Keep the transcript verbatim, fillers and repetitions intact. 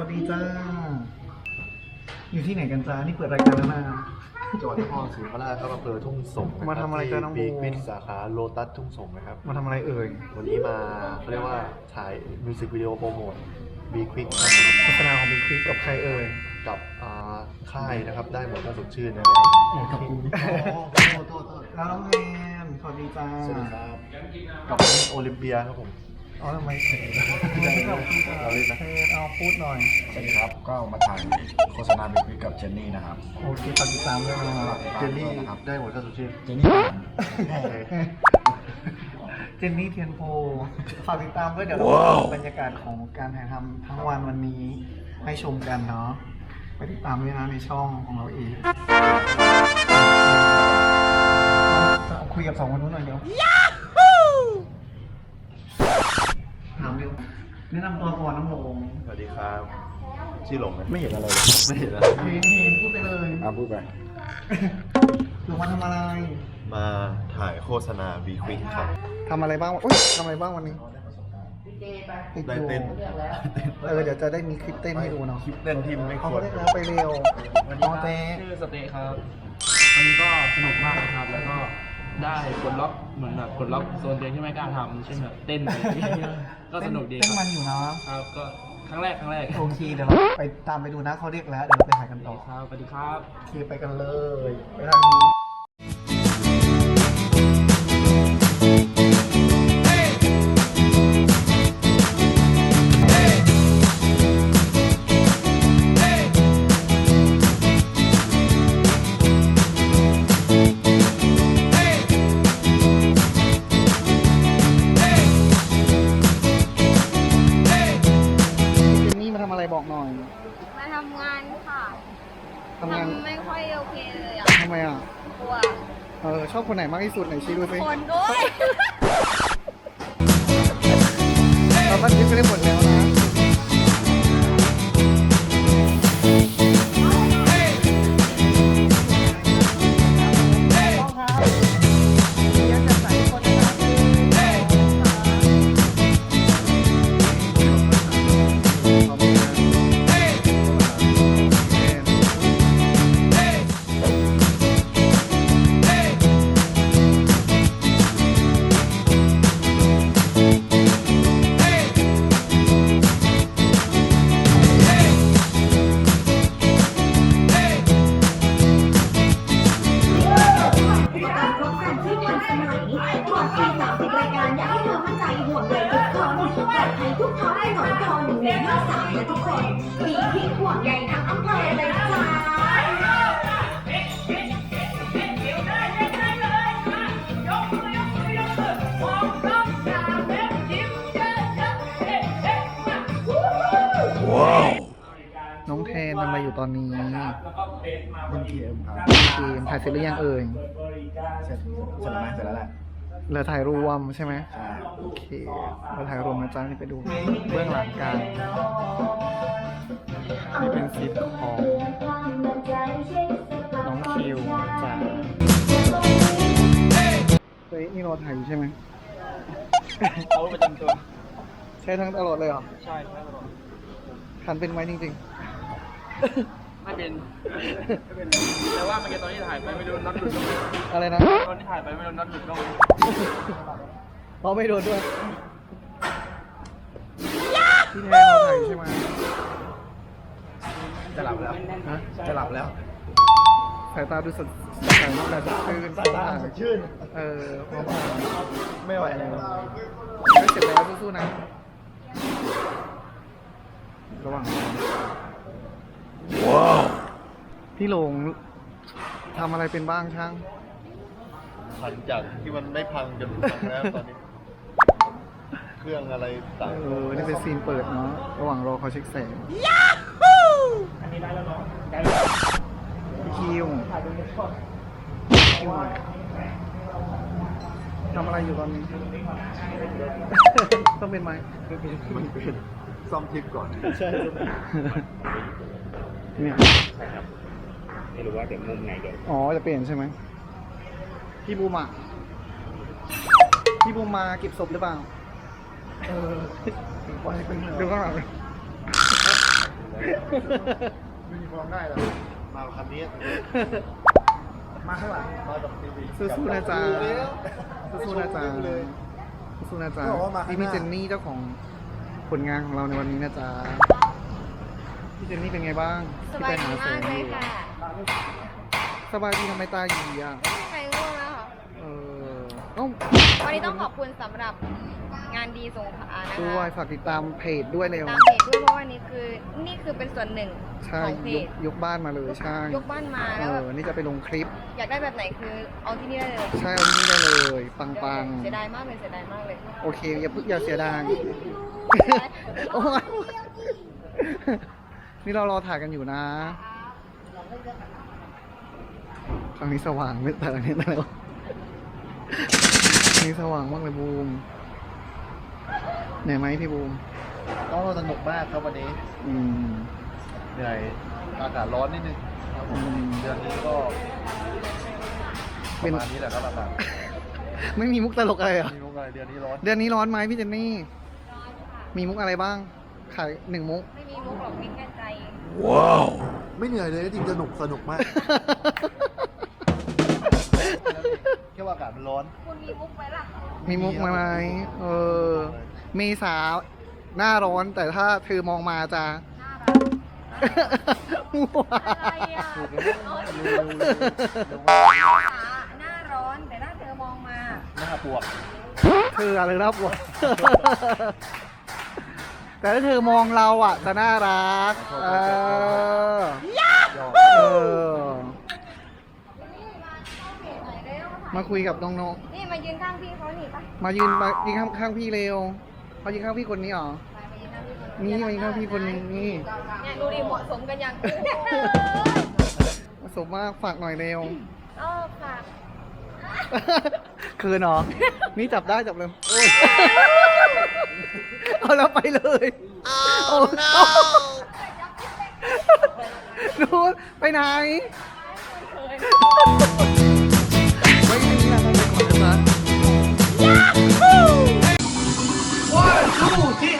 ดีจ้าอยู่ที่ไหนกันจ้านี่เปิดรายการแล้วนะจังหวัดนครศรีธรรมราชครับอำเภอทุ่งสงศ์มาทำอะไรกันน้องบูบีวิทสาขาโลตัสทุ่งสงศ์นะครับมาทำอะไรเอ่ยวันนี้มาเขาเรียกว่าถ่ายมิวสิกวิดีโอโปรโมทบีควิกโฆษณาของบิ๊กควิกกับใครเอ่ยกับอ่าค่ายนะครับได้หมดถ้าสดชื่นนะครับกับกูโทษโทษโทษแล้วน้องแมนสวัสดีจ้าสวัสดีครับกับโอลิมเปียครับผมอ๋อทำไมเราเล่นนะเอาพูดหน่อยสวัสดีครับ ก็มาถ่ายโฆษณาบิ๊กวิกกับเจนนี่นะครับโอเคฝากติดตามด้วยนะเจนนี่นะครับได้หมดถ้าสดชื่นเจนนี่ผมเจนนี่เทียนโพฝากติดตามด้วยเดี๋ยวเราบรรยากาศของการถ่ายทำทั้งวันวันนี้ให้ชมกันเนาะไปติดตามด้วยนะในช่องของเราเองคุยกับสองคนนู้นหน่อยเดี๋ยวถามเร็วแนะนำตัวก่อนน้องหลงสวัสดีครับชื่อหลงนะไม่เห็นอะไรเลยไม่เห็นนะเห็นเห็นพูดไปเลยอ่ะพูดไปหลงมาทำอะไรมาถ่ายโฆษณาบีควิกครับทำอะไรบ้างอุ้ยทำอะไรบ้างวันนี้ติดได้อยู่เต้นเออเดี๋ยวจะได้มีคลิปเต้นให้ดูเนาะคลิปเต้นที่ไม่คเขาวรเรียกแล้วไปเร็วน้องเต้ชื่อสเตย์ครับวันนี้ก็สนุกมากนะครับ แล้วก็ได้ปลดล็อกเหมือนแบบปลดล็อกโซนตัวเองที่ไม่กล้าทำเช่นแบบเต้นอะไรอย่างเงี้ยก็สนุกดีคเต้นรับมันอยู่นะครับก็ครั้งแรกครั้งแรกโอเคเดี๋ยวเราไปตามไปดูนะเขาเรียกแล้วเดี๋ยวเราไปถ่ายกันต่อครับสวัสดีครับโอเคไปกันเลยไปทางนี้เจนนี่มาทำอะไรบอกหน่อยมาทำงานค่ะทำงานทำไม่ค่อยโอเคเลยอ่ะทำไมอ่ะกลัวเออชอบคนไหนมากที่สุดไหนชี้ดูสิคนด้วยเราก็คิดไปได้หมดแล้วนะน้องแทนทำอะไรอยู่ตอนนี้เล่นเกมครับเกมถ่ายเสร็จหรือยังเอ่ยเสร็จเสร็จแล้วไหมเสร็จแล้วแหละเหลือถ่ายรวมใช่ไหมใช่โอเคเราถ่ายรวมนะจ๊ะนี่ไปดูเบื้องหลังกันนี่เป็นซีนของน้องคิวจ้ะเฮ้ยนี่เราถ่ายอยู่ใช่ไหมเอาประจำตัวใช้ทั้งตลอดเลยเหรอใช่ใช่ตลอดทันเป็นไหมจริงไม่เป็นไม่เป็นแต่ว่าเมื่อกี้ตอนที่ถ่ายไปไม่รู้น็อตหลุดตรงไหนๆ อะไรนะตอนที่ถ่ายไปไม่รู้น็อตหลุดตรงไหนเราไม่โดนด้วยพี่แทนเราถ่ายอยู่ใช่ไหมจะหลับแล้วฮะจะหลับแล้วสายตาดูสดใสมากเลยสดชื่นสายตาสดชื่นเออพร้อมๆไม่ไหวแล้วไม่เสร็จแล้วสู้ๆนะ ระหว่างว้าวพี่หลงทำอะไรเป็นบ้างช่างหลังจากที่มันไม่พังจนพังแล้วตอนนี้ เครื่องอะไรต่างเออ นี่เป็นซีนเปิดเนาะ ระหว่างรอเขาเช็คแสงพี่คิวคิวทำอะไรอยู่ตอนนี้ ต้องเป็นไหมมันเป็นซ่อมทิปก่อนใช่เนี่ยไม่รู้ว่าเดี๋ยวมุมไหนเดี๋ยวอ๋อ จะเปลี่ยนใช่ไหม พี่บูมอ่ะ พี่บูมมาเก็บศพหรือเปล่า เออปล่อยให้เป็นเดี๋ยวข้างหลังเลยไม่มีความได้หรอกมาคันนี้มาข้างหลังมากับทีวีสู้ๆนะจ๊ะสู้สู้ๆนะจ๊ะเลยสู้ๆนะจ๊ะเขาบอกว่ามาข้างหน้านี่พี่เจนนี่เจ้าของผลงานของเราในวันนี้นะจ๊ะพี่เจนนี่เป็นไงบ้างสบายดีมากเลยค่ะสบายดีทำไมตาหยีอ่ะใครง่วงแล้วค่ะเออเอ้าวันนี้ต้องขอบคุณสำหรับงานดีสงขลานะคะด้วยฝากติดตามเพจด้วยเร็วตามเพจด้วยเพราะว่านี่คือนี่คือเป็นส่วนหนึ่งใช่ของเพยจกยกบ้านมาเลยใช่ยกบ้านมาเอแล้วแบบอนี่จะไปลงคลิปอยากได้แบบไหนคือเอาที่นี่ได้เลยใช่เอาที่นี่ได้เลย ปังปังเสียดายมากเลยเสียดายมากเลยโอเค อย่าเพิ่งอย่าเสียดาย โอ้ยนี่เรารอถ่ายกันอยู่นะทางนี้สว่างไม่แต่ทางนี้แล้วทางนี้สว่างมากเลยบูมเหนื่อยไหมพี่บูมต้องสนุกมากครับวันนี้อืมเหนื่อยอากาศร้อนนิดนึงครับผมอืมเดือนนี้ก็ปเป็ระนมาณนี้แหละครับอากาศไม่มีมุกตลกอะไรเหรอมีมุกอะไรเดือนนี้ร้อนเดือนนี้ร้อนไหมพี่เจนนี่ มีมุกอะไรบ้าง ขายหนึ่งมุกไม่มีมุกหรอกมีแค่ใจไม่เหนื่อยเลยจริงสนุกสนุกมาก แค่ว่าอากาศมันร้อนคุณมีมุกไหมล่ะมีมุกไหมเออ เมษาหน้าร้อนแต่ถ้าเธอมองมาจะน่ารักอะไรอ่ะถูกเอแล้วอเร็วๆเร็วๆเร็วหน้าร้อนแต่ถ้าเธอมองมาๆหน้าปวกเธออะไรรับวะ แต่ถ้าเธอมองเราอ่ะจะน่ารัก เออยอดเออ มาคุยกับน้องนี่มายืนข้างพี่เขาหนิปะๆ มายืนมายืนข้างข้างพี่เร็วมายืนข้างพี่คนนี้เหรอมายืนข้างพี่คนนี่มายืนข้างพี่คนนี้นี่เนี่ยดูดิเหมาะสมกันยังมาสมมากฝากหน่อยเร็วเออฝากคืนเหรอ นี่จับได้จับเลยโอ้ย เอาแล้วไปเลยโอ้ no นู้นไปไหน ไม่มีนะไม่มีคนนะ One two ที่